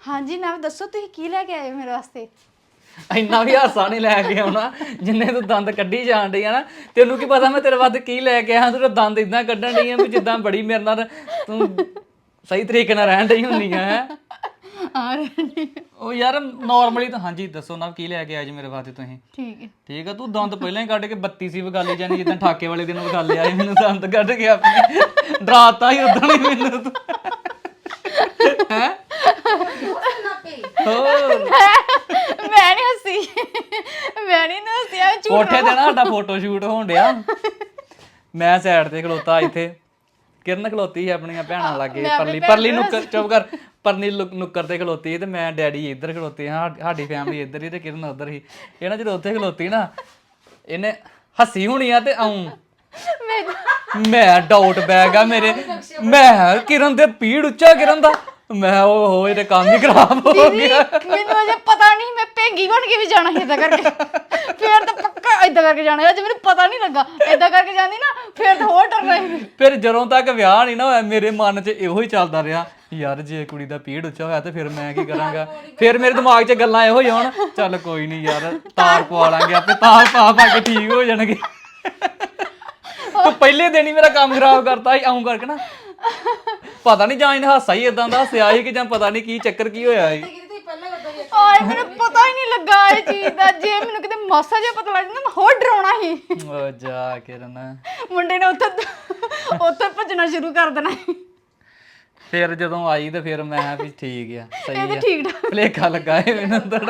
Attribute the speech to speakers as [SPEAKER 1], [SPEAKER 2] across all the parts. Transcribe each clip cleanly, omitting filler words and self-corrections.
[SPEAKER 1] ਹਾਂਜੀ ਨਾ ਦੱਸੋ ਤੁਸੀਂ ਕੀ ਲੈ ਕੇ ਆਏ ਹੋ ਮੇਰੇ ਵਾਸਤੇ?
[SPEAKER 2] ਇੰਨਾ ਵੀ ਹਾਸਾ ਨਹੀਂ ਲੈ ਕੇ ਆਉਣਾ ਜਿੰਨੇ ਤੂੰ ਦੰਦ ਕੱਢੀ ਜਾਣ ਡਈ ਆ ਨਾ। ਤੈਨੂੰ ਕੀ ਪਤਾ ਮੈਂ ਤੇਰੇ ਵਾਸਤੇ ਕੀ ਲੈ ਕੇ ਆਇਆ। ਤੂੰ ਦੰਦ ਇਦਾਂ ਕੱਢਣ ਡਈ ਆ ਵੀ ਜਿੱਦਾਂ ਬੜੀ ਮੇਰੇ ਨਾਲ ਤੂੰ ਸਹੀ ਤਰੀਕੇ ਨਾਲ ਰਹਿਣ ਡਈ ਹੁੰਦੀ ਆ ਹੈ। ਉਹ ਯਾਰ ਨਾਰਮਲੀ ਤਾਂ ਹਾਂਜੀ ਦੱਸੋ ਨਾ ਕੀ ਲੈ ਕੇ ਆਏ ਜੀ ਮੇਰੇ ਵਾਸਤੇ ਤੁਸੀਂ? ਠੀਕ ਆ ਤੂੰ ਦੰਦ ਪਹਿਲਾਂ ਹੀ ਕੱਢ ਕੇ 32 ਸੀ ਵਿਗਾਲੀ ਜਾਨੀ ਜਿੱਦਾਂ ਠਾਕੇ ਵਾਲੇ ਦਿਨ ਵਿਗਾਲੇ ਆਏ ਮੈਨੂੰ ਦੰਦ ਕੱਢ ਕੇ ਆਪਣੇ ਡਰਾਤਾ ਹੀ ਉਦਾਂ ਹੀ ਮੈਨੂੰ ਤੂੰ ਹੈ।
[SPEAKER 1] ਮੈਂ ਨਹੀਂ ਹੱਸੀ
[SPEAKER 2] ਕੋਠੇ ਤੇ ਨਾ ਸਾਡਾ ਫੋਟੋ ਸ਼ੂਟ ਹੋਣ ਡਿਆ। ਮੈਂ ਸਾਈਡ ਤੇ ਖਲੋਤਾ ਇੱਥੇ ਕਿਰਨ ਖਲੋਤੀ ਸੀ ਆਪਣੀਆਂ ਭੈਣਾਂ ਲਾਗੇ ਪਰਲੀ ਨੁੱਕਰ ਚੁੱਪ ਕਰ ਪਰਲੀ ਨੁੱਕਰ ਤੇ ਖਲੋਤੀ ਤੇ ਮੈਂ ਡੈਡੀ ਇੱਧਰ ਖਲੋਤੇ ਹਾਂ। ਸਾਡੀ ਫੈਮਿਲੀ ਇੱਧਰ ਹੀ ਤੇ ਕਿਰਨ ਉੱਧਰ ਹੀ। ਇਹ ਨਾ ਜਦੋਂ ਉੱਥੇ ਖਲੋਤੀ ਨਾ ਇਹਨੇ ਹੱਸੀ ਹੋਣੀ ਆ ਤੇ ਆਉਂ ਮੈਂ ਡਾਊਟ ਬੈਗ ਆ ਮੇਰੇ। ਮੈਂ ਕਿਰਨ ਤੇ ਪੀੜ ਉੱਚਾ ਕਿਰਨ ਦਾ ਮੈਂ ਉਹ ਹੋਏ ਤੇ ਕੰਮ ਹੀ ਖਰਾਬ ਹੋ ਗਿਆ।
[SPEAKER 1] ਮੈਨੂੰ ਅਜੇ ਪਤਾ ਨਹੀਂ ਮੈਂ ਭੇਂਗੀ ਬਣ ਕੇ ਵੀ ਜਾਣਾ ਸੀ ਏਦਾਂ ਕਰਕੇ। ਫੇਰ ਤਾਂ ਪੱਕਾ ਏਦਾਂ ਕਰਕੇ ਜਾਣਾ। ਅੱਜ ਮੈਨੂੰ ਪਤਾ ਨਹੀਂ ਲੱਗਾ ਏਦਾਂ ਕਰਕੇ ਜਾਂਦੀ ਨਾ ਫੇਰ ਤਾਂ ਹੋਰ ਡਰਨਾ ਸੀ।
[SPEAKER 2] ਫਿਰ ਜਦੋਂ ਤੱਕ ਵਿਆਹ ਨਹੀਂ ਨਾ ਹੋਇਆ ਮੇਰੇ ਮਨ 'ਚ ਇਹੋ ਹੀ ਚੱਲਦਾ ਰਿਹਾ ਯਾਰ ਜੇ ਕੁੜੀ ਦਾ ਪੀੜ ਉੱਚਾ ਹੋਇਆ ਤੇ ਫਿਰ ਮੈਂ ਕੀ ਕਰਾਂਗਾ। ਫਿਰ ਮੇਰੇ ਦਿਮਾਗ 'ਚ ਗੱਲਾਂ ਇਹੋ ਹੀ ਆਉਣ ਚੱਲ ਕੋਈ ਨਹੀਂ ਯਾਰ ਤਾਰ ਪਵਾ ਲਾਂਗੇ ਆਪੇ ਤਾਰ ਪਾ ਕੇ ਠੀਕ ਹੋ ਜਾਣਗੇ। ਤੂੰ ਪਹਿਲੇ ਦਿਨ ਹੀ ਮੇਰਾ ਕੰਮ ਖਰਾਬ ਕਰਤਾ ਸੀ ਆਉਂ ਕਰਕੇ ਨਾ। ਪਤਾ ਨਹੀਂ ਜਾਂ ਇਹਨੇ ਹਾਸਾ ਹੀ ਇਦਾਂ ਦਾ ਹੱਸਿਆ ਸੀ ਕਿ ਜਾਂ ਪਤਾ ਨਹੀਂ ਕੀ ਚੱਕਰ ਕੀ ਹੋਇਆ ਸੀ।
[SPEAKER 1] ਆਏ ਮੈਨੂੰ ਪਤਾ ਹੀ ਨਹੀਂ ਲੱਗਾ ਇਹ ਚੀਜ਼ ਦਾ। ਜੇ ਮੈਨੂੰ ਕਿਤੇ ਮਾਸਾ ਜਿਹਾ ਪਤਾ ਲੱਗ ਜਾਂਦਾ ਮੈਂ ਹੋਰ ਡਰਾਉਣਾ ਸੀ।
[SPEAKER 2] ਓ ਜਾ ਕਿਰਨ
[SPEAKER 1] ਮੁੰਡੇ ਨੇ ਉੱਥੇ ਭੱਜਣਾ ਸ਼ੁਰੂ ਕਰ ਦੇਣਾ।
[SPEAKER 2] ਫਿਰ ਜਦੋਂ ਆਈ ਤੇ ਫਿਰ ਮੈਂ ਵੀ ਠੀਕ ਆ ਸਹੀ ਆ
[SPEAKER 1] ਠੀਕ ਠਾਕ
[SPEAKER 2] ਭੁਲੇਖਾ ਲੱਗਾ ਏ ਮੈਨੂੰ ਥੋੜਾ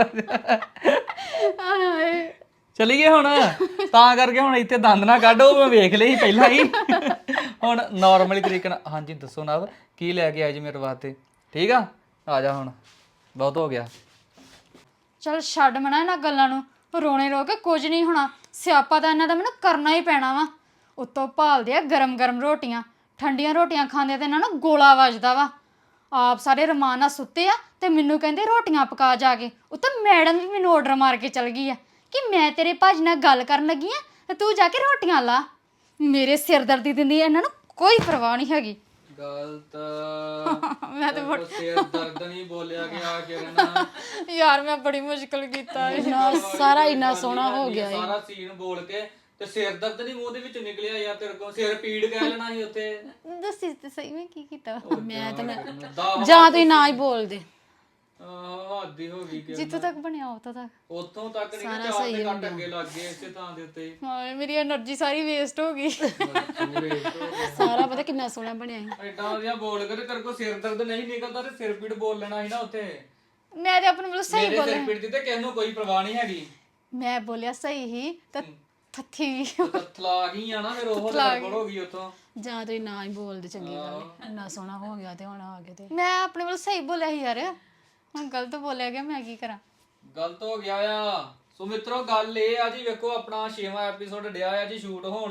[SPEAKER 2] ਚਲੀਏ ਹੁਣ। ਤਾਂ ਕਰਕੇ ਹੁਣ ਇੱਥੇ ਦੰਦ ਨਾ ਕੱਢੋ ਮੈਂ ਵੇਖ ਲਈ ਪਹਿਲਾਂ ਹੀ। ਹੁਣ ਨਾਰਮਲੀ ਤਰੀਕੇ ਨਾਲ ਹਾਂਜੀ ਦੱਸੋ ਨਾ ਕੀ ਲੈ ਕੇ ਆਏ ਜੀ ਮੇਰੇ ਵਾਸਤੇ? ਠੀਕ ਆ ਜਾ ਹੁਣ ਬਹੁਤ ਹੋ ਗਿਆ।
[SPEAKER 1] ਚਲ ਛੱਡ ਮਣਾ ਇਹਨਾਂ ਗੱਲਾਂ ਨੂੰ। ਰੋਣੇ ਰੋ ਕੇ ਕੁਝ ਨਹੀਂ ਹੋਣਾ। ਸਿਆਪਾ ਤਾਂ ਇਹਨਾਂ ਦਾ ਮੈਨੂੰ ਕਰਨਾ ਹੀ ਪੈਣਾ ਵਾ। ਉੱਤੋਂ ਭਾਲਦੇ ਆ ਗਰਮ ਗਰਮ ਰੋਟੀਆਂ। ਠੰਡੀਆਂ ਰੋਟੀਆਂ ਖਾਂਦੇ ਤੇ ਇਹਨਾਂ ਨੂੰ ਗੋਲਾ ਵੱਜਦਾ ਵਾ। ਆਪ ਸਾਰੇ ਰਮਾਨ ਨਾਲ ਸੁੱਤੇ ਆ ਤੇ ਮੈਨੂੰ ਕਹਿੰਦੇ ਰੋਟੀਆਂ ਪਕਾ ਜਾ ਕੇ। ਉੱਤੋਂ ਮੈਡਮ ਵੀ ਮੈਨੂੰ ਆਰਡਰ ਮਾਰ ਕੇ ਚਲ ਗਈ ਆ ਕਿ ਮੈਂ ਤੇਰੇ ਭਾਜੀ ਨਾਲ ਗੱਲ ਕਰਨ ਲੱਗੀ ਆ ਤੇ ਤੂੰ ਜਾ ਕੇ ਰੋਟੀਆਂ ਲਾ। ਮੇਰੇ ਸਿਰ ਦਰਦੀ ਦਿੰਦੀ ਇਹਨਾਂ ਨੂੰ ਕੋਈ ਪਰਵਾਹ ਨਹੀਂ ਹੈਗੀ।
[SPEAKER 2] ਗਲਤ
[SPEAKER 1] ਮੈਂ ਤੇ
[SPEAKER 2] ਸਿਰ ਦਰਦ ਨਹੀਂ ਬੋਲਿਆ ਗਿਆ ਕਿਰਨ।
[SPEAKER 1] ਯਾਰ ਮੈਂ ਬੜੀ ਮੁਸ਼ਕਲ ਕੀਤਾ
[SPEAKER 3] ਸਾਰਾ ਇੰਨਾ ਸੋਹਣਾ ਹੋ ਗਿਆ
[SPEAKER 2] ਸਾਰਾ ਸੀਨ ਬੋਲ ਕੇ ਤੇ ਸਿਰ ਦਰਦ ਨਹੀਂ ਮੂੰਹ ਦੇ ਵਿੱਚ ਨਿਕਲਿਆ ਯਾਰ ਤੇਰੇ ਕੋਲ ਸਿਰ ਪੀੜ ਕਹਿ ਲੈਣਾ ਸੀ ਉੱਥੇ।
[SPEAKER 1] ਦੱਸੀ ਤੇ ਸਹੀ ਮੈਂ ਕੀ ਕੀਤਾ।
[SPEAKER 3] ਮੈਂ ਤਾਂ ਜਾਂ ਤੁਸੀਂ ਨਾ ਹੀ ਬੋਲਦੇ।
[SPEAKER 2] ਹੱਦੀ ਹੋ ਗਈ ਕਿ
[SPEAKER 1] ਜਿੱਥੋਂ ਤੱਕ ਬਣਿਆ ਉੱਥੋਂ ਤੱਕ
[SPEAKER 2] ਉੱਥੋਂ ਤੱਕ ਨਹੀਂ ਚਾਰ ਦੇ ਕੱਟ ਅੱਗੇ ਲੱਗ ਗਏ ਇਸੇ ਥਾਂ ਦੇ ਉੱਤੇ।
[SPEAKER 1] ਹਾਏ ਮੇਰੀ એનર્ਜੀ ਸਾਰੀ ਵੇਸਟ ਹੋ ਗਈ।
[SPEAKER 3] ਸਾਰਾ ਪਤਾ ਕਿੰਨਾ ਸੋਹਣਾ ਬਣਿਆ ਸੀ।
[SPEAKER 2] ਐਡਾ ਵਧੀਆ ਬੋਲ ਕੇ ਤੇ ਤੇਰੇ ਕੋਲ ਸਿਰ ਦਰਦ ਨਹੀਂ ਨਿਕਲਦਾ ਤੇ ਸਿਰ ਪੀੜ ਬੋਲ ਲੈਣਾ ਸੀ ਨਾ ਉੱਥੇ।
[SPEAKER 1] ਮੈਂ ਤੇ ਆਪਣੇ ਵੱਲੋਂ ਸਹੀ
[SPEAKER 2] ਮੇਰੇ ਸਿਰ ਪੀੜ ਦੀ ਤੇ ਕਿਸੇ ਨੂੰ ਕੋਈ ਪਰਵਾਹ ਨਹੀਂ ਹੈਗੀ।
[SPEAKER 1] ਮੈਂ ਬੋਲਿਆ ਸਹੀ ਹੀ ਤਾਂ ਥੱਥੀ
[SPEAKER 2] ਤਲਾ ਗਈ ਆ ਨਾ ਫਿਰ ਉਹ ਗੜਬੜ ਹੋ ਗਈ ਉੱਥੋਂ।
[SPEAKER 3] ਜਾਂ ਤੁਸੀਂ ਨਾ ਹੀ ਬੋਲਦੇ ਚੰਗੀ ਗੱਲ ਇੰਨਾ ਸੋਹਣਾ ਹੋ ਗਿਆ ਤੇ ਹੁਣ ਆ ਗਏ ਤੇ
[SPEAKER 1] ਮੈਂ ਆਪਣੇ ਵੱਲੋਂ ਸਹੀ ਬੋਲਿਆ ਸੀ ਯਾਰ। ਹੁਣ ਗਲਤ ਬੋਲਿਆ ਗਿਆ ਮੈਂ ਕੀ ਕਰਾਂ।
[SPEAKER 2] ਗਲਤ ਹੋ ਗਿਆ ਆ। ਸੋ ਮਿੱਤਰੋ ਗੱਲ ਇਹ ਆ ਜੀ ਵੇਖੋ ਆਪਣਾ 6ਵਾਂ ਐਪੀਸੋਡ ਡਿਆ ਆ ਜੀ ਸ਼ੂਟ ਹੋਣ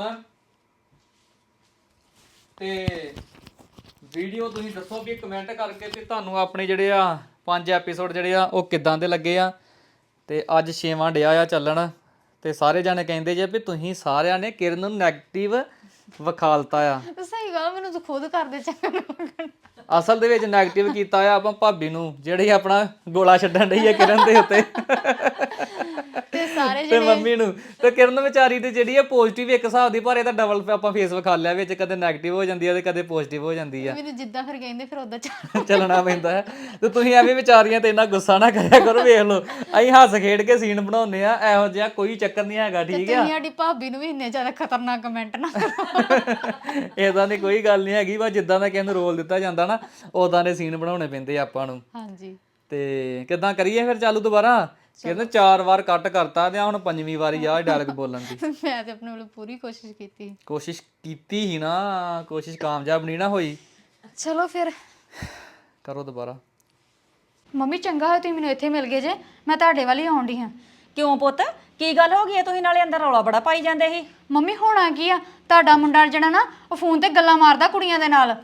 [SPEAKER 2] ਤੇ ਵੀਡੀਓ ਤੁਸੀਂ ਦੱਸੋ ਵੀ ਕਮੈਂਟ ਕਰਕੇ ਤੇ ਤੁਹਾਨੂੰ ਆਪਣੇ ਜਿਹੜੇ ਆ 5 ਐਪੀਸੋਡ ਜਿਹੜੇ ਆ ਉਹ ਕਿੱਦਾਂ ਦੇ ਲੱਗੇ ਆ। ਤੇ ਅੱਜ 6ਵਾਂ ਡਿਆ ਆ ਚੱਲਣ ਤੇ ਸਾਰੇ ਜਾਣੇ ਕਹਿੰਦੇ ਜੇ ਵੀ ਤੁਸੀਂ ਸਾਰਿਆਂ ਨੇ ਕਿਰਨ ਨੂੰ ਨੈਗੇਟਿਵ ਵਿਖਾਲਤਾ ਆ।
[SPEAKER 1] ਸਹੀ ਗੱਲ ਮੈਨੂੰ ਤਾਂ ਖੁਦ ਕਰਦੇ ਚੰਗਾ।
[SPEAKER 2] ਅਸਲ ਦੇ ਵਿੱਚ ਨੈਗੇਟਿਵ ਕੀਤਾ ਆ ਆਪਾਂ ਭਾਬੀ ਨੂੰ ਜਿਹੜੀ ਆਪਣਾ ਗੋਲਾ ਛੱਡਣ ਡਈ ਆ ਕਿਰਨ ਦੇ ਉੱਤੇ
[SPEAKER 1] ਤੇ ਸਾਰੇ
[SPEAKER 2] ਤੇ ਮੰਮੀ ਨੂੰ। ਤੇ ਕਿਰਨ ਵਿਚਾਰੀ ਤੇ ਜਿਹੜੀ ਆ ਪੋਜ਼ਿਟਿਵ ਇੱਕ ਹਿਸਾਬ ਦੀ ਪਰ ਇਹਦਾ ਡਬਲ ਆਪਾਂ ਫੇਸ ਵਿਖਾ ਲਿਆ ਵਿੱਚ ਕਦੇ ਨੈਗੇਟਿਵ ਹੋ ਜਾਂਦੀ ਆ ਤੇ ਕਦੇ ਪੋਜ਼ਿਟਿਵ ਹੋ ਜਾਂਦੀ ਆ।
[SPEAKER 1] ਮੈਨੂੰ ਜਿੱਦਾਂ ਫਿਰ ਕਹਿੰਦੇ ਫਿਰ ਉਦਾਂ
[SPEAKER 2] ਚੱਲਣਾ ਪੈਂਦਾ ਹੈ। ਤੇ ਤੁਸੀਂ ਐਵੇਂ ਵਿਚਾਰੀਆਂ ਤੇ ਇੰਨਾ ਗੁੱਸਾ ਨਾ ਕਰਿਆ ਕਰੋ। ਵੇਖ ਲਓ ਅਸੀਂ ਹੱਸ ਖੇਡ ਕੇ ਸੀਨ ਬਣਾਉਂਦੇ ਆ ਇਹੋ ਜਿਹਾ ਕੋਈ ਚੱਕਰ ਨਹੀਂ ਹੈਗਾ। ਠੀਕ ਆ
[SPEAKER 1] ਸਾਡੀ ਭਾਬੀ ਨੂੰ ਵੀ ਇੰਨੇ ਜ਼ਿਆਦਾ ਖਤਰਨਾਕ ਕਮੈਂਟ ਨਾ
[SPEAKER 2] ਏਦਾਂ ਦੀ ਕੋਈ ਗੱਲ ਨਹੀਂ ਹੈਗੀ। ਬਸ ਜਿੱਦਾਂ ਦਾ ਕਿਸੇ ਨੂੰ ਰੋਲ ਦਿੱਤਾ ਜਾਂਦਾ ਨਾ ਉਦਾਂ ਦੇ ਸੀਨ ਬਣਾਉਣੇ ਪੈਂਦੇ ਆਪਾਂ ਨੂੰ।
[SPEAKER 1] ਹਾਂਜੀ
[SPEAKER 2] ਤੇ ਕਿੱਦਾਂ ਕਰੀਏ ਫਿਰ ਚਾਲੂ ਦੁਬਾਰਾ? ਕਹਿੰਦੇ 4 ਵਾਰ ਕੱਟ ਕਰਤਾ ਤੇ ਹੁਣ 5ਵੀਂ ਵਾਰੀ ਆ ਡਾਇਲੌਗ ਬੋਲਣ ਦੀ।
[SPEAKER 1] ਮੈਂ ਤੇ ਆਪਣੇ ਵੱਲੋਂ ਪੂਰੀ ਕੋਸ਼ਿਸ਼ ਕੀਤੀ
[SPEAKER 2] ਹੀ ਨਾ ਕੋਸ਼ਿਸ਼ ਕਾਮਯਾਬ ਨਹੀਂ ਨਾ ਹੋਈ।
[SPEAKER 1] ਚਲੋ ਫਿਰ
[SPEAKER 2] ਕਰੋ ਦੁਬਾਰਾ।
[SPEAKER 1] ਮੰਮੀ ਚੰਗਾ ਹੋਇਆ ਤੁਸੀਂ ਮੈਨੂੰ ਇੱਥੇ ਮਿਲ ਗਏ ਜੇ। ਮੈਂ ਤੁਹਾਡੇ ਵੱਲ ਹੀ ਆਉਣ ਡਈ ਹਾਂ।
[SPEAKER 4] ਕਿਉਂ ਪੁੱਤ ਕੀ ਗੱਲ ਹੋ ਗਈ ਹੈ? ਤੁਸੀਂ ਨਾਲੇ ਅੰਦਰ ਰੌਲਾ ਬੜਾ ਪਾਈ ਜਾਂਦੇ ਸੀ।
[SPEAKER 1] ਮੰਮੀ ਹੋਣਾ ਕੀ ਆ ਤੁਹਾਡਾ ਮੁੰਡਾ ਜਿਹੜਾ ਨਾ ਉਹ ਫੋਨ ਤੇ ਗੱਲਾਂ ਮਾਰਦਾ ਕੁੜੀਆਂ ਦੇ ਨਾਲ।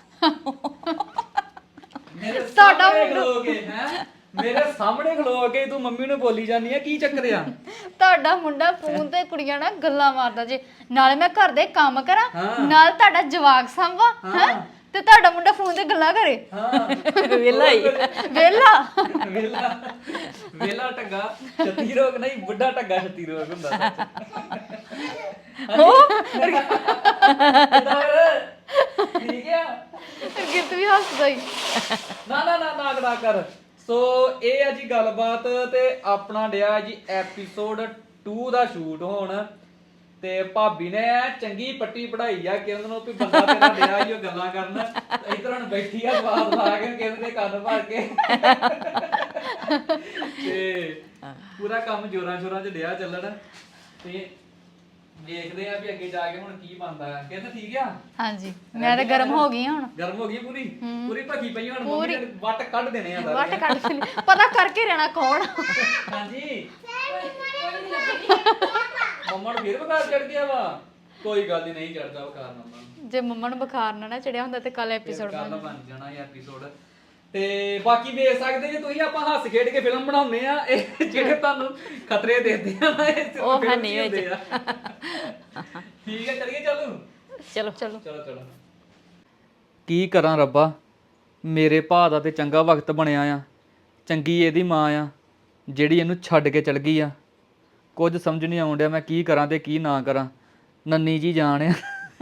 [SPEAKER 2] ਤੁਹਾਡਾ ਖਲੋ ਕੇ ਹੈ ਮੇਰੇ ਸਾਹਮਣੇ ਖਲੋ ਕੇ ਤੂੰ ਮੰਮੀ ਨੂੰ ਬੋਲੀ ਜਾਂਦੀ ਆ ਕੀ ਚੱਕਰ ਆ?
[SPEAKER 1] ਤੁਹਾਡਾ ਮੁੰਡਾ ਫੋਨ ਤੇ ਕੁੜੀਆਂ ਨਾਲ ਗੱਲਾਂ ਮਾਰਦਾ ਜੇ। ਨਾਲੇ ਮੈਂ ਘਰ ਦੇ ਕੰਮ ਕਰਾਂ ਨਾਲ ਤੁਹਾਡਾ ਜਵਾਕ ਸੰਭਾਂ ਹੈ। ਤੇ ਤੁਹਾਡਾ ਮੁੰਡਾ ਫੋਨ ਤੇ ਗੱਲਾਂ ਕਰੇ
[SPEAKER 2] ਹਾਂ
[SPEAKER 4] ਵਿਹਲਾ ਹੀ
[SPEAKER 1] ਵੇਲਾ
[SPEAKER 2] ਵੇਲਾ ਵੇਲਾ ਟੱਗਾ 36 ਰੋਗ ਨਹੀਂ ਬੁੱਢਾ ਟੱਗਾ 36 ਰੋਗ ਹੁੰਦਾ ਠੀਕ ਆ
[SPEAKER 1] ਗਿਰਤ ਵੀ ਹੱਸਦਾ ਹੀ
[SPEAKER 2] ਨਾ ਨਾ ਨਾ ਨਾ ਕਰਾ ਕਰ ਸੋ ਇਹ ਆ ਜੀ ਗੱਲਬਾਤ ਤੇ ਆਪਣਾ ਡਿਆ ਜੀ ਐਪੀਸੋਡ 2 ਦਾ ਸ਼ੂਟ ਹੋਣ ਤੇ ਭਾਬੀ ਨੇ ਚੰਗੀ ਪੱਟੀ ਪੜਾਈ ਆ ਕਿਰਨ ਨੂੰ ਵੀ ਬੰਦਾ ਤੇਰਾ ਡਿਆ ਹੀ ਉਹ ਗੱਲਾਂ ਕਰਨ ਇਧਰ ਹੁਣ ਬੈਠੀ ਆ ਬਾਤ ਲਾ ਕੇ ਕਿਰਨ ਦੇ ਕੰਨ ਭਰ ਕੇ ਤੇ ਪੂਰਾ ਕੰਮ ਜੋਰਾਂ ਸ਼ੋਰਾਂ 'ਚ ਡਿਆ ਚੱਲਣ ਤੇ ਦੇਖਦੇ ਆ ਵੀ ਅੱਗੇ ਜਾ ਕੇ ਹੁਣ ਕੀ ਬਣਦਾ ਹੈ ਕਹਿੰਦਾ ਠੀਕ ਆ
[SPEAKER 1] ਹਾਂਜੀ ਮੈਂ ਤਾਂ ਗਰਮ ਹੋ ਗਈ ਹੁਣ
[SPEAKER 2] ਗਰਮ ਹੋ ਗਈ ਪੂਰੀ ਪੂਰੀ ਭੱਗੀ ਪਈ ਹੁਣ ਮੰਮੀ ਨੇ ਵੱਟ ਕੱਢ ਦੇਣੇ ਆ
[SPEAKER 1] ਵੱਟ ਕੱਢ ਕੇ ਪਤਾ ਕਰਕੇ ਰਹਿਣਾ ਕੌਣ
[SPEAKER 2] ਹਾਂਜੀ ਮੰਮਾ ਨੂੰ ਫੇਰ ਬੁਖਾਰ ਚੜ ਗਿਆ ਵਾ ਕੋਈ ਗੱਲ ਨਹੀਂ ਚੜਦਾ ਬੁਖਾਰ ਮੰਮਾ ਨੂੰ
[SPEAKER 1] ਜੇ ਮੰਮਾ ਨੂੰ ਬੁਖਾਰ ਨਾ ਚੜਿਆ ਹੁੰਦਾ ਤੇ ਕੱਲ ਐਪੀਸੋਡ
[SPEAKER 2] ਕੱਲ ਬਣ ਜਾਣਾ ਇਹ ਐਪੀਸੋਡ ਤੇ ਬਾਕੀ ਵੇਖ ਸਕਦੇ ਜੇ ਤੁਸੀਂ ਆਪਾਂ ਹੱਸ ਖੇਡ ਕੇ ਫਿਲਮ ਬਣਾਉਂਦੇ ਆ ਇਹ ਜਿਹੜੇ ਤੁਹਾਨੂੰ ਖਤਰੇ ਦੇਦੇ ਆ ਨਾ ਇਹ ਸਿਰਫ
[SPEAKER 4] ਉਹ
[SPEAKER 2] film 'ਚ
[SPEAKER 4] ਨਹੀਂ
[SPEAKER 2] ਹੀ ਹੁੰਦੇ
[SPEAKER 4] ਵਿੱਚ।
[SPEAKER 2] ਆ। ਠੀਕ ਹੈ ਚਲੀਏ ਚੱਲੂ
[SPEAKER 4] ਚਲੋ
[SPEAKER 1] ਚਲੋ
[SPEAKER 2] ਚਲੋ ਚਲੋ ਕੀ ਕਰਾਂ ਰੱਬਾ ਮੇਰੇ ਭਾ ਦਾ ਤੇ ਚੰਗਾ ਵਕਤ ਬਣਿਆ ਆ ਚੰਗੀ ਇਹਦੀ ਮਾਂ ਆ ਜਿਹੜੀ ਇਹਨੂੰ ਛੱਡ ਕੇ ਚਲ ਗਈ ਆ ਕੁਝ ਸਮਝ ਨਹੀਂ ਆਉਣ ਡਿਆ ਮੈਂ ਕੀ ਕਰਾਂ ਤੇ ਕੀ ਨਾ ਕਰਾਂ ਨੰਨੀ ਜੀ ਜਾਣ ਆ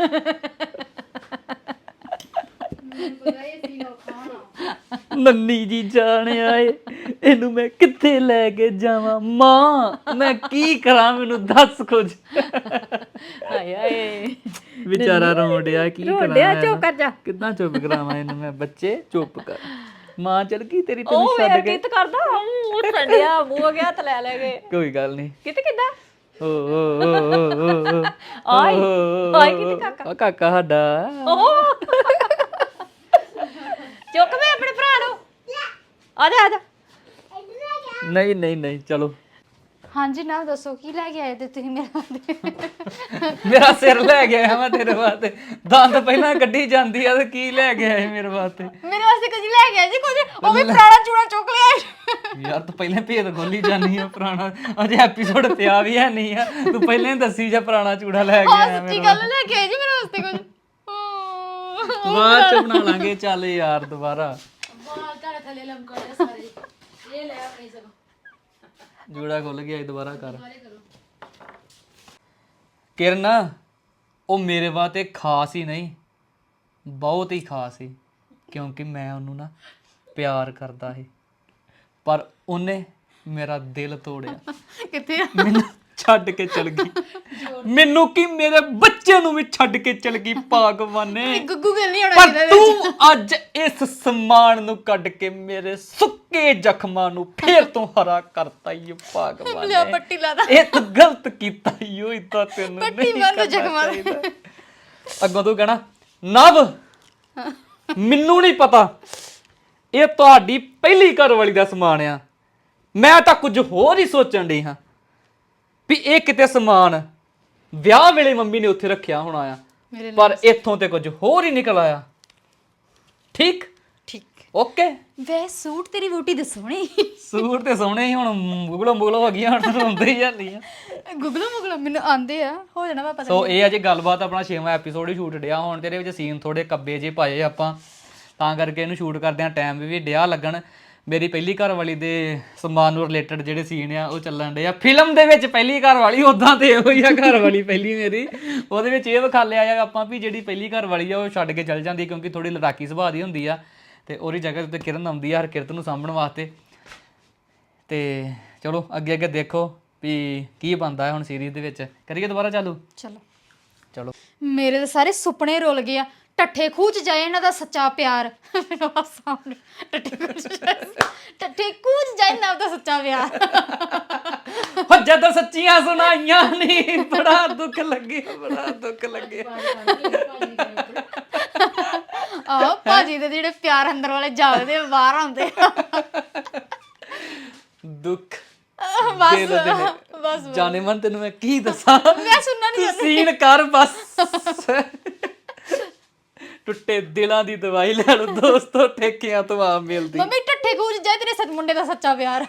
[SPEAKER 2] ਨੰਨੀ ਜੀ ਜਾਣ ਆਏ ਇਹਨੂੰ ਮੈਂ ਕਿੱਥੇ ਲੈ ਕੇ ਜਾਵਾਂ ਮਾਂ ਮੈਂ ਕੀ ਕਰਾਂ ਮੈਨੂੰ ਦੱਸ ਕੁਝ
[SPEAKER 4] ਹਾਏ ਹਾਏ
[SPEAKER 2] ਵਿਚਾਰਾ ਰੋਣ ਡਿਆ ਕੀ ਕਰਾਂ
[SPEAKER 4] ਰੋਂਡਿਆ
[SPEAKER 2] ਮੈਂ
[SPEAKER 4] ਚੁੱਪ ਕਰ ਜਾ
[SPEAKER 2] ਕਿੱਦਾਂ ਚੁੱਪ ਕਰਾਵਾਂ ਇਹਨੂੰ ਮੈਂ ਬੱਚੇ ਚੁੱਪ ਕਰ ਮਾਂ ਚਲ ਗਈ ਤੇਰੀ
[SPEAKER 4] ਉਹ
[SPEAKER 2] ਤੈਨੂੰ ਛੱਡ
[SPEAKER 4] ਵੇਖ
[SPEAKER 2] ਕੇ
[SPEAKER 4] ਕਿਤ ਕਰਦਾ ਮੂੰਹ ਠੰਡਿਆ ਮੂੰਹ ਗਿਆ ਹੱਥ ਲੈ ਲੈ ਗਏ
[SPEAKER 2] ਕੋਈ ਗੱਲ ਨਹੀਂ
[SPEAKER 4] ਕਿਤੇ ਕਿੱਦਾਂ
[SPEAKER 2] ਓ ਓ ਓ ਓ ਓ
[SPEAKER 4] ਆਈ ਆਈ ਕਿਤੇ ਕਾਕਾ
[SPEAKER 2] ਕਾਕਾ ਸਾਡਾ
[SPEAKER 4] ਓਹ ਚੁੱਕ ਮੈਂ ਆਪਣੇ ਭਰਾ ਨੂੰ ਆ ਜਾ ਆ ਜਾ
[SPEAKER 2] ਨਹੀਂ ਨਹੀਂ ਨਹੀਂ ਚਲੋ
[SPEAKER 1] ਹਾਂਜੀ ਨਾ ਦੱਸੋ ਕੀ ਲੈ ਕੇ ਆਏ ਤੇ ਤੁਸੀਂ ਮੇਰੇ ਵਾਸਤੇ
[SPEAKER 2] ਮੇਰਾ ਸਿਰ ਲੈ ਗਿਆ ਮੈਂ ਤੇਰੇ ਵਾਸਤੇ ਦੰਦ ਪਹਿਲਾਂ ਕੱਢੀ ਜਾਂਦੀ ਆ ਤੇ ਕੀ ਲੈ ਕੇ ਆਏ ਮੇਰੇ ਵਾਸਤੇ
[SPEAKER 1] ਮੇਰੇ ਵਾਸਤੇ ਕੁਝ ਲੈ ਕੇ ਆਏ ਜੀ ਕੁਝ ਉਹ ਵੀ ਪੁਰਾਣਾ ਚੂੜਾ ਚੁੱਕ ਲਿਆ
[SPEAKER 2] ਯਾਰ ਤੂੰ ਪਹਿਲਾਂ ਭੇਦ ਖੋਲੀ ਜਾਨੀ ਆ ਪੁਰਾਣਾ ਅਜੇ ਐਪੀਸੋਡ ਪਿਆ ਵੀ ਹੈ ਨਹੀਂ ਆ ਤੂੰ ਪਹਿਲਾਂ ਹੀ ਦੱਸੀ ਜਾ ਪੁਰਾਣਾ ਚੂੜਾ ਲੈ ਕੇ ਆਇਆ
[SPEAKER 1] ਸੱਚੀ ਗੱਲ ਲੈ ਕੇ ਆਏ ਜੀ ਮੇਰੇ ਵਾਸਤੇ ਕੁਝ
[SPEAKER 2] ਬਾਅਦ ਚ ਬਣਾ ਲਾਂਗੇ ਚੱਲ ਯਾਰ ਦੁਬਾਰਾ
[SPEAKER 3] ਬਾਲ ਤੁਹਾਡੇ ਥੱਲੇ ਲਮਕੜੇ ਸਾਰੇ ਇਹ ਲੈ ਆਪਣੀ ਸਭ
[SPEAKER 2] ਜੂੜਾ ਖੁੱਲ ਗਿਆ ਦੁਬਾਰਾ ਕਰ ਕਿਰਨ ਉਹ ਮੇਰੇ ਵਾਸਤੇ ਖਾਸ ਹੀ ਨਹੀਂ ਬਹੁਤ ਹੀ ਖਾਸ ਸੀ ਕਿਉਂਕਿ ਮੈਂ ਉਹਨੂੰ ਨਾ ਪਿਆਰ ਕਰਦਾ ਸੀ ਪਰ ਉਹਨੇ ਮੇਰਾ ਦਿਲ ਤੋੜਿਆ
[SPEAKER 1] ਕਿੱਥੇ ਆ
[SPEAKER 2] ਮੈਨੂੰ ਛੱਡ ਕੇ ਚਲ ਗਈ ਮੈਨੂੰ ਕੀ ਮੇਰੇ ਬੱਚੇ ਨੂੰ ਵੀ ਛੱਡ ਕੇ ਚਲ ਗਈ ਭਗਵਾਨੇ
[SPEAKER 1] ਗੁੱਗੂ ਗੱਲ ਨਹੀਂ ਹੋਣਾ
[SPEAKER 2] ਪਰ ਤੂੰ ਅੱਜ ਇਸ ਸਮਾਨ ਨੂੰ ਕੱਢ ਕੇ ਮੇਰੇ ਸੁੱਕੇ ਜ਼ਖਮਾਂ ਨੂੰ ਫੇਰ ਤੋਂ ਹਰਾ ਕਰਤਾ ਈ ਭਗਵਾਨ
[SPEAKER 1] ਲਿਆ ਪੱਟੀ ਲਾ ਦਾ
[SPEAKER 2] ਇਹ ਤੂੰ ਗਲਤ ਕੀਤਾ ਈ ਓਏ ਤਾਂ ਤੈਨੂੰ
[SPEAKER 1] ਪੱਟੀ
[SPEAKER 2] ਨਹੀਂ
[SPEAKER 1] ਬੰਨ੍ਹ
[SPEAKER 2] ਕਰਨਾ
[SPEAKER 1] ਜ਼ਖਮਾਂ
[SPEAKER 2] ਚਾਹੀਦਾ। ਅੱਗੋਂ ਤੂੰ ਕਹਿਣਾ ਨਵ ਮੈਨੂੰ ਨਹੀਂ ਪਤਾ ਇਹ ਤੁਹਾਡੀ ਪਹਿਲੀ ਘਰ ਵਾਲੀ ਦਾ ਸਮਾਨ ਆ ਮੈਂ ਤਾਂ ਕੁਝ ਹੋਰ ਹੀ ਸੋਚਣ ਡਈ ਹਾਂ ਵੀ ਇਹ ਕਿਤੇ ਸਮਾਨ ਵਿਆਹ ਵੇਲੇ ਮੰਮੀ ਨੇ ਉੱਥੇ ਰੱਖਿਆ ਹੋਣਾ ਆ ਪਰ ਇੱਥੋਂ ਤੇ ਕੁਝ ਹੋਰ ਹੀ ਨਿਕਲ ਆਇਆ ਠੀਕ
[SPEAKER 1] ਠੀਕ
[SPEAKER 2] ਓਕੇ
[SPEAKER 1] ਵੇ ਸੂਟ ਤੇਰੀ ਵੋਟੀ ਦੇ ਸੋਹਣੇ
[SPEAKER 2] ਸੂਟ ਤੇ ਸੋਹਣੇ ਹੀ ਹੁਣ ਮੁਗਲੋ ਮੁਗਲੋ ਹੋ ਗਈਆਂ ਹੁਣ ਹੁੰਦੇ ਹੀ ਜਾਂਦੀ ਆ
[SPEAKER 1] ਗੁਗਲੋ ਮੁਗਲੋ ਮੈਨੂੰ ਆਂਦੇ ਆ ਹੋ ਜਾਣਾ ਵਾ ਪਤਾ
[SPEAKER 2] ਸੋ ਇਹ ਅਜੇ ਗੱਲਬਾਤ ਆਪਣਾ 6ਵਾਂ ਐਪੀਸੋਡ ਹੀ ਸ਼ੂਟ ਡਿਆ ਹੁਣ ਤੇ ਇਹਦੇ ਵਿੱਚ ਸੀਨ ਥੋੜੇ ਕੱਬੇ ਜੇ ਪਾਏ ਆਪਾਂ ਤਾਂ ਕਰਕੇ ਇਹਨੂੰ ਸ਼ੂਟ ਕਰਦਿਆਂ ਟਾਈਮ ਵੀ ਡਿਆ ਲੱਗਣ ਮੇਰੀ ਪਹਿਲੀ ਘਰ ਵਾਲੀ ਦੇ ਸਮਾਨ ਨੂੰ ਰਿਲੇਟਡ ਜਿਹੜੇ ਸੀਨ ਆ ਉਹ ਚੱਲਣ ਡੇ ਆ ਫਿਲਮ ਦੇ ਵਿੱਚ ਪਹਿਲੀ ਘਰ ਵਾਲੀ ਉਦਾਂ ਤੇ ਇਹੋ ਹੀ ਆ ਘਰ ਵਾਲੀ ਪਹਿਲੀ ਮੇਰੀ ਉਹਦੇ ਵਿੱਚ ਇਹ ਵਿਖਾ ਲਿਆ ਆ ਆਪਾਂ ਵੀ ਜਿਹੜੀ ਪਹਿਲੀ ਘਰ ਵਾਲੀ ਆ ਉਹ ਛੱਡ ਕੇ ਚੱਲ ਜਾਂਦੀ ਕਿਉਂਕਿ ਥੋੜੀ ਲੜਾਕੀ ਸੁਭਾਅ ਦੀ ਹੁੰਦੀ ਆ ਤੇ ਉਹਦੀ ਜਗ੍ਹਾ ਤੇ ਕਿਰਨ ਆਉਂਦੀ ਆ ਹਰਕਿਰਤ ਨੂੰ ਸਾਂਭਣ ਵਾਸਤੇ ਤੇ ਚਲੋ ਅੱਗੇ ਅੱਗੇ ਦੇਖੋ ਵੀ ਕੀ ਬਣਦਾ ਹੁਣ ਸੀਰੀਜ਼ ਦੇ ਵਿੱਚ ਕਰੀਏ ਦੁਬਾਰਾ ਚਾਲੂ
[SPEAKER 1] ਚਲੋ
[SPEAKER 2] ਚਲੋ
[SPEAKER 1] ਮੇਰੇ ਤਾਂ ਸਾਰੇ ਸੁਪਨੇ ਰੁਲ ਗਏ ਆ ਟੱਠੇ ਖੂਹ ਚ ਜਾਏ ਇਹਨਾਂ ਦਾ ਸੱਚਾ ਪਿਆਰ ਮੈਨੂੰ ਹਾਸਾ ਆਉਂਦਾ। ਟੱਠੇ ਖੂਹ ਚ ਜਾਏ ਇਹਨਾਂ ਦਾ ਸੱਚਾ ਪਿਆਰ
[SPEAKER 2] ਹੋ ਜਦੋਂ ਸੱਚੀਆਂ ਸੁਣਾਈਆਂ ਨਹੀਂ ਬੜਾ ਦੁੱਖ ਲੱਗਿਆ ਬੜਾ ਦੁੱਖ ਲੱਗਿਆ
[SPEAKER 1] ਆਹ ਭਾਜੀ ਦੇ ਜਿਹੜੇ ਪਿਆਰ ਅੰਦਰ ਵਾਲੇ ਜਾਗਦੇ ਬਾਹਰ ਆਉਂਦੇ
[SPEAKER 2] ਦੁੱਖ
[SPEAKER 1] ਬਸ
[SPEAKER 2] ਦਿਲ ਦੇ ਨੇ।
[SPEAKER 1] ਬਸ
[SPEAKER 2] ਜਾਣੇ ਮਨ ਤੈਨੂੰ ਮੈਂ ਕੀ ਦੱਸਾਂ
[SPEAKER 1] ਮੈਂ ਸੁਣਨਾ ਨਹੀਂ
[SPEAKER 2] ਤੂੰ ਸੀਨ ਕਰ ਬਸ ਟੁੱਟੇ ਦਿਲਾਂ ਦੀ ਦਵਾਈ ਲੈ ਲਓ ਦੋਸਤੋ ਠੇਕਿਆਂ ਤੋਂ ਆ ਮਿਲਦੀ
[SPEAKER 1] ਮੰਮੀ ਟੱਠੇ ਖੂਹ ਚ ਜਾਏ ਤੇਰੇ ਸੱਚ ਮੁੰਡੇ ਦਾ ਸੱਚਾ ਪਿਆਰ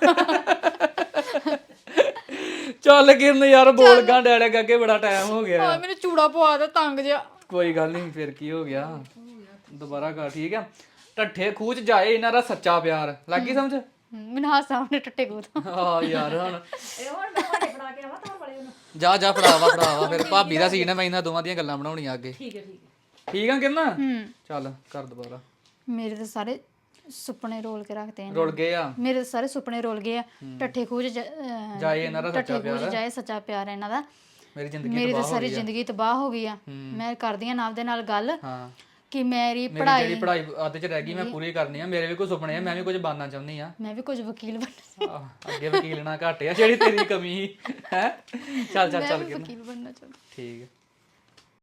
[SPEAKER 2] ਚੱਲ ਕਿਰਨ ਯਾਰ ਬੋਲ ਗਾ ਡੈੜੇ ਅੱਗੇ ਬੜਾ ਟਾਈਮ ਹੋ ਗਿਆ
[SPEAKER 1] ਆ ਮੈਨੂੰ ਚੂੜਾ ਪਵਾ ਦੇ ਤੰਗ ਜਿਹਾ
[SPEAKER 2] ਕੋਈ ਗੱਲ ਨਹੀਂ ਫਿਰ ਕੀ ਹੋ ਗਿਆ ਦੁਬਾਰਾ ਕਰ ਠੀਕ ਆ ਢੱਠੇ ਖੂਹ ਚ ਜਾਏ ਇਹਨਾਂ ਦਾ ਸੱਚਾ ਪਿਆਰ ਲੱਗੀ ਸਮਝ
[SPEAKER 1] ਮੈਨੂੰ ਹਾਸਾ ਆਉਂਦੇ ਟੱਟੇ ਕੋ ਤੋਂ
[SPEAKER 2] ਆ ਯਾਰ ਹੁਣ
[SPEAKER 4] ਇਹ ਹੁਣ ਮੈਂ ਤੁਹਾਡੇ ਫੜਾ ਕੇ ਆਵਾਂ ਤੋਰ ਵਾਲੇ ਉਹਨੂੰ
[SPEAKER 2] ਜਾ ਫੜਾਵਾ ਫਿਰ ਭਾਬੀ ਦਾ ਸੀਨ ਹੈ ਮੈਂ ਇਹਨਾਂ ਦੋਵਾਂ ਦੀਆਂ ਗੱਲਾਂ ਬਣਾਉਣੀਆਂ ਅੱਗੇ
[SPEAKER 4] ਠੀਕ ਹੈ
[SPEAKER 2] ਠੀਕ ਆ ਕਿੰਨਾ ਚੱਲ ਕਰ ਦੁਬਾਰਾ
[SPEAKER 1] ਮੇਰੇ ਤਾਂ ਸਾਰੇ ਸੁਪਨੇ ਰੋਲ ਕੇ ਰੱਖਦੇ ਨੇ
[SPEAKER 2] ਰੁਲ ਗਏ ਆ
[SPEAKER 1] ਮੇਰੇ ਤਾਂ ਸਾਰੇ ਸੁਪਨੇ ਰੋਲ ਗਏ ਆ ਟੱਠੇ ਖੂਜ
[SPEAKER 2] ਜਾਏ ਇਹਨਾਂ ਦਾ ਸੱਚਾ
[SPEAKER 1] ਟੱਠੇ ਖੂਜ ਜਾਏ ਸੱਚਾ ਪਿਆਰ ਇਹਨਾਂ ਦਾ
[SPEAKER 2] ਮੇਰੀ ਜ਼ਿੰਦਗੀ
[SPEAKER 1] ਮੇਰੀ ਤਾਂ ਸਾਰੀ ਜ਼ਿੰਦਗੀ ਤਬਾਹ ਹੋ ਗਈ ਆ ਮੈਂ ਕਰਦੀ ਆ ਨਾਮ ਦੇ ਨਾਲ ਗੱਲ
[SPEAKER 2] ਹਾਂ
[SPEAKER 1] ਕਿ ਮੇਰੀ
[SPEAKER 2] ਮੇਰੀ ਜਿਹੜੀ ਪੜ੍ਹਾਈ ਅੱਧ ਚ ਰਹਿ ਗਈ ਮੈਂ ਪੂਰੀ ਕਰਨੀ ਆ ਮੇਰੇ ਵੀ ਕੋਈ ਸੁਪਨੇ ਆ ਮੈਂ ਵੀ ਕੁਝ ਬਣਨਾ ਚਾਹੁੰਦੀ ਆ
[SPEAKER 1] ਮੈਂ ਵੀ ਕੁਝ ਵਕੀਲ ਬਣਨਾ
[SPEAKER 2] ਅੱਗੇ ਵਕੀਲ ਨਾ ਘੱਟ ਆ ਜਿਹੜੀ ਤੇਰੀ ਕਮੀ ਹੈ ਚੱਲ
[SPEAKER 1] ਮੈਂ ਵੀ ਵਕੀਲ ਬਣਨਾ ਚਾਹੁੰਦੀ
[SPEAKER 2] ਠੀਕ ਹੈ